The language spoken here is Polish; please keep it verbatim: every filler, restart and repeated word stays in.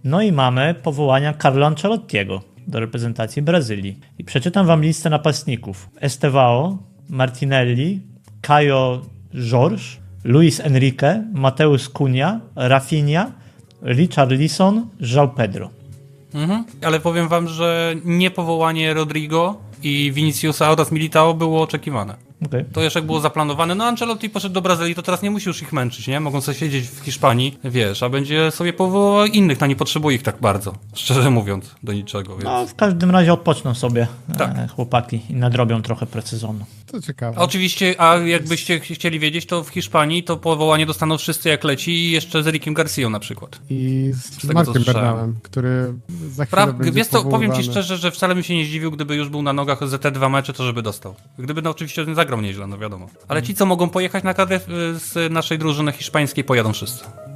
No i mamy powołania Carlo Ancelottiego do reprezentacji Brazylii. I przeczytam wam listę napastników. Estevao, Martinelli, Caio Jorge, Luis Enrique, Mateus Cunha, Rafinha, Richarlison, João Pedro. Mhm. Ale powiem wam, że niepowołanie Rodrigo i Viniciusa oraz Militao było oczekiwane. Okay. To jeszcze jak było zaplanowane. No Ancelotti poszedł do Brazylii, to teraz nie musi już ich męczyć, nie? Mogą sobie siedzieć w Hiszpanii, wiesz, a będzie sobie powoływał innych, no nie potrzebuje ich tak bardzo, szczerze mówiąc, do niczego. Więc... No w każdym razie odpoczną sobie tak. e, chłopaki i nadrobią trochę precyzonu. To ciekawe. Oczywiście, a jakbyście chcieli wiedzieć, to w Hiszpanii to powołanie dostaną wszyscy jak leci i jeszcze z Erikiem Garcją na przykład. I z, tego, Markiem co słyszałem. Bernałem, który za chwilę Pra... będzie Wiesz co, powiem ci powoływany. szczerze, że wcale bym się nie zdziwił, gdyby już był na nogach za te dwa mecze, to żeby dostał. Gdyby no oczywiście nie zagrał nieźle, no wiadomo. Ale ci, co mogą pojechać na kadrę z naszej drużyny hiszpańskiej, pojadą wszyscy.